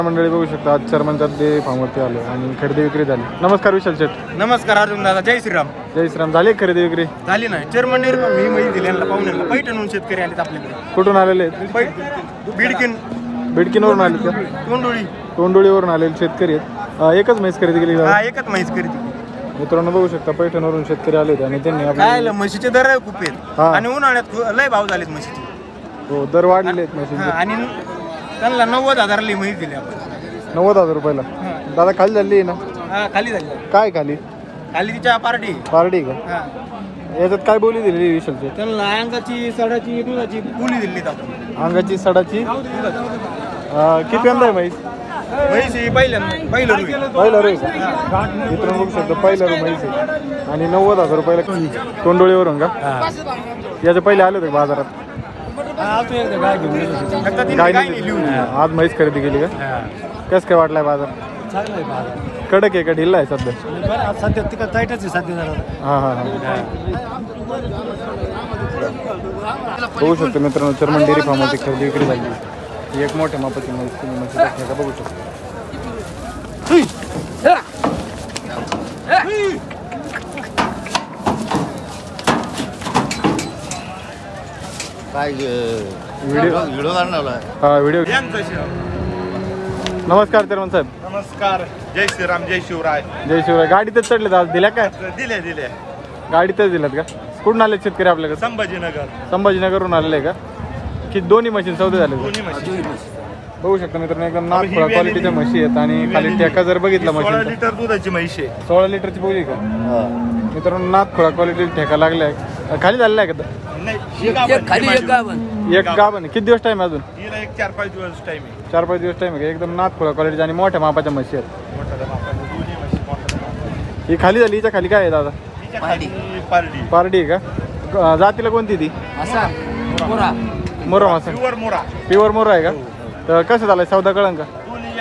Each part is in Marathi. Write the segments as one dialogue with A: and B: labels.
A: मंडळी बघू शकता आज चर्मनच्या डेअरी फार्मवरती आलो आणि खरेदी विक्री झाली. नमस्कार विशाल शेठ.
B: नमस्कार अर्जुन दादा. जय श्रीराम.
A: जय श्रीराम. झाली खरेदी विक्री?
B: झाली नाही. चेअरमन मी माहिती दिली यांना पाहुण्यांना. पैठणहून शेतकरी आलेत आपल्याकडे.
A: कुठून आलेले आहेत? बिडकीनवरून आले का? तोंडोळीवरून आलेले शेतकरी आहेत. एकच म्हैस खरेदी केली का?
B: एकच म्हैस खरेदी.
A: मित्रांनो बघू शकता पैठणवरून शेतकरी आले होते आणि त्यांनी
B: काय म्हशीचे दर खूप आहेत आणि उन्हाळ्यात लय भाव झालेत म्हशीचे.
A: हो दर वाढलेले आहेत म्हशीचे.
B: आणि त्यांना 90,000ला म्हैस दिली आपण.
A: 90,000 रुपयाला. दादा खाली झाली आहे ना?
B: खाली झाली.
A: काय खाली?
B: खाली तिच्या पार्टी
A: का? याच्यात काय बोली दिलेली विशालची?
B: त्यांना अंगाची सडाची दुधाची बोली दिली आपण.
A: अंगाची सडाची किती यंदा आहे म्हैस?
B: म्हैस ही पहिलं
A: रे मित्रांनो बघू शकतो पहिला रू म्हैस आहे आणि 90,000 रुपयाला तोंडोळीवरून का? याच्या पहिले आले होते बाजारात? आज म्हैस खरेदी केली का? कसं काय वाटलाय बाजार? कडक आहे का ढिल्ला आहे सध्या?
B: सध्या तिकडे टाईटच आहे सध्या.
A: बघू शकतो मित्रांनो चर्मन डेअरी फार्मवरती खरेदी विक्री झाली. एक मोठ्या मापाची म्हैस तुम्ही म्हशी का बघू शकता. व्हिडिओ. नमस्कार चेअरमन साहेब.
B: नमस्कार. जय श्रीराम. जय शिवराय.
A: जय शिवराय. गाडीतच चढले आज दिल्या काय?
B: दिले
A: गाडीतच दिल्यात का? कुठून आले शेतकरी आपल्याकडे? संभाजीनगरवरून आलेले आहे का? की दोन्ही मशीन सौदे झाले? बघू शकता मित्रांनो एकदम नागपूर क्वालिटीच्या म्हशी आहेत आणि खाली ठेका जर बघितला मशीन
B: 16 लिटर दुधाची म्हैस आहे.
A: 16 लिटरची बोली का? मित्रांनो नागपूर क्वालिटी ठेका लागलाय. खाली झालेला आहे का? एक गाभण. किती दिवस टाइम अजून?
B: 4-5 दिवस टाइम आहे.
A: 4-5 दिवस टाइम आहे. एकदम नागपूर क्वालिटीच्या आणि मोठ्या मापाच्या म्हशी आहेत. ही खाली झाली. हिच्या खाली काय आहे दादा? पारडी आहे का? जातीला कोणती ती? मोरा मासा. प्युअर मोरा आहे का? तर कसं झालंय सौदा कळंन का?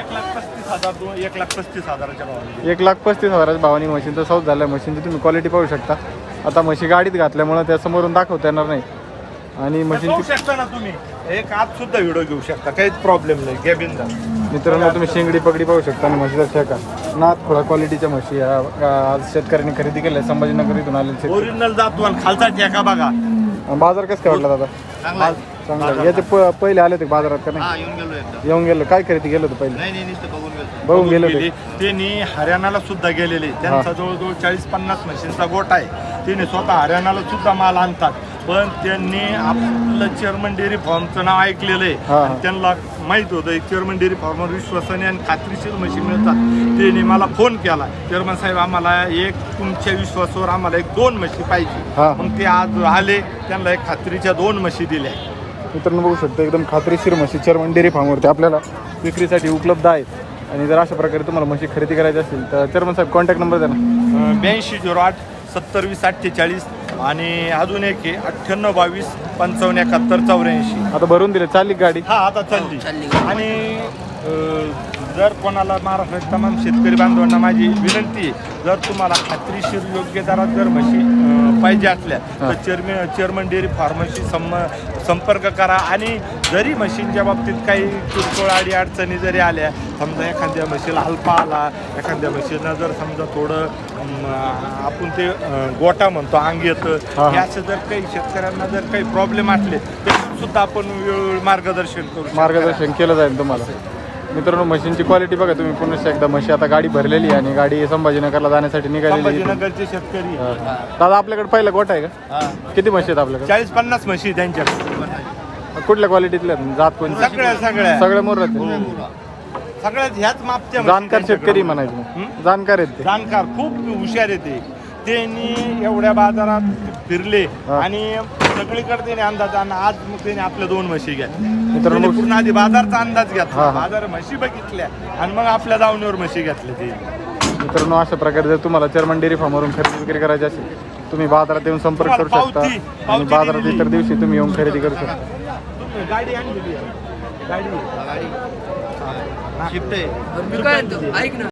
A: 1,35,000च्या भावानी मशीनचा सौदा झालाय. मशीनची तुम्ही क्वालिटी पाहू शकता. आता म्हशी गाडीत घातल्यामुळे त्या समोरून दाखवता येणार नाही आणि मशीनची
B: शकता ना तुम्ही. एक आत सुद्धा व्हिडिओ घेऊ शकता. काहीच प्रॉब्लेम नाही. कॅबिन जा.
A: मित्रांनो तुम्ही शेंगडी पगडी पाहू शकता आणि म्हशीचा ठेका नागपूर क्वालिटीच्या म्हशी आज शेतकऱ्यांनी खरेदी केल्या. संभाजीनगर इथून आलेले
B: ओरिजिनल जातो. खालचा ठेका बघा.
A: बाजार कसं काय वाटला दादा? चांगला. याचे पहिले आले होते बाजारात का नाही? येऊन गेलो. काय खरेदी गेलो होतं पहिले? बघून गेलो होते.
B: त्यांनी हरियाणाला सुद्धा गेलेले. त्यांचा जवळजवळ 40-50 म्हशींचा गोट आहे. त्यांनी स्वतः हरियाणाला सुद्धा माल आणतात. पण त्यांनी आपलं चेअरमन डेअरी फार्मचं नाव ऐकलेलं आहे. त्यांना माहित होतं चेअरमन डेअरी फार्मवर विश्वासाने आणि खात्रीशीर म्हशी मिळतात. त्यांनी मला फोन केला, चेअरमन साहेब आम्हाला तुमच्या विश्वासावर आम्हाला 2 म्हशी पाहिजे. मग ते आज आले. त्यांना खात्रीच्या 2 म्हशी दिल्या.
A: मित्रांनो बघू शकता एकदम खात्रीशीर म्हशी चेअरमन डेअरी फार्मवरती आपल्याला विक्रीसाठी उपलब्ध आहेत. आणि जर अशा प्रकारे तुम्हाला म्हशी खरेदी करायची असेल तर चेअरमन साहेब कॉन्टॅक्ट नंबर द्या ना.
B: 8208 7020 48 आणि अजून एक आहे 9822 55 71 84.
A: आता भरून दिले. चालली गाडी?
B: आता चालली. आणि जर कोणाला महाराष्ट्रात तमाम शेतकरी बांधवांना माझी विनंती आहे, जर तुम्हाला खात्रीशीर योग्य दरात जर म्हशी पाहिजे असल्या तर चेअरमन डेअरी फार्मशी संपर्क करा. आणि जरी म्हशींच्या बाबतीत काही किरकोळ अडचणी जरी आल्या, समजा एखाद्या म्हशीला हलपा आला, एखाद्या म्हशीनं जर समजा थोडं आपण ते गोटा म्हणतो अंग येतं, हे असं जर काही शेतकऱ्यांना जर काही प्रॉब्लेम असले तर सुद्धा आपण वेळोवेळी
A: मार्गदर्शन केलं जाईल तुम्हाला. मित्रांनो म्हशींची क्वालिटी बघा तुम्ही पुन्हा एकदा. म्हशी आता गाडी भरलेली आहे आणि गाडी संभाजीनगरला जाण्यासाठी निघालेली.
B: संभाजीनगरचे शेतकरी.
A: दादा आपल्याकडे पहिला गोठा आहे का? किती म्हशी आहेत आपल्याकडे?
B: 40-50 म्हशी त्यांच्याकडे.
A: कुठल्या क्वालिटीतल्या? जात कोणती? सगळ्या मोर्रात
B: सगळ्यात ह्याच मापच्या.
A: जाणकार शेतकरी म्हणायचे. जाणकार आहेत ते.
B: जाणकार खूप हुशार येते. त्यांनी एवढ्या बाजारात फिरले आणि सगळीकडे त्याने अंदाज. आणि आज मग त्याने आपल्या 2 म्हशी घेतल्या. मित्रांनो पूर्ण आधी बाजारचा अंदाज घेतला, बाजार म्हशी बघितल्या आणि मग आपल्या दावणीवर म्हशी घेतल्या. ते
A: मित्रांनो अशा प्रकारे जर तुम्हाला चेअरमन डेअरी फार्मवरून खरेदी विक्री करायची असेल तुम्ही बाजारात येऊन संपर्क करू शकता. आणि बाजारात इतर दिवशी तुम्ही येऊन खरेदी करू शकता.
B: गाडी आणली. गाडी शिफ्ट आहे.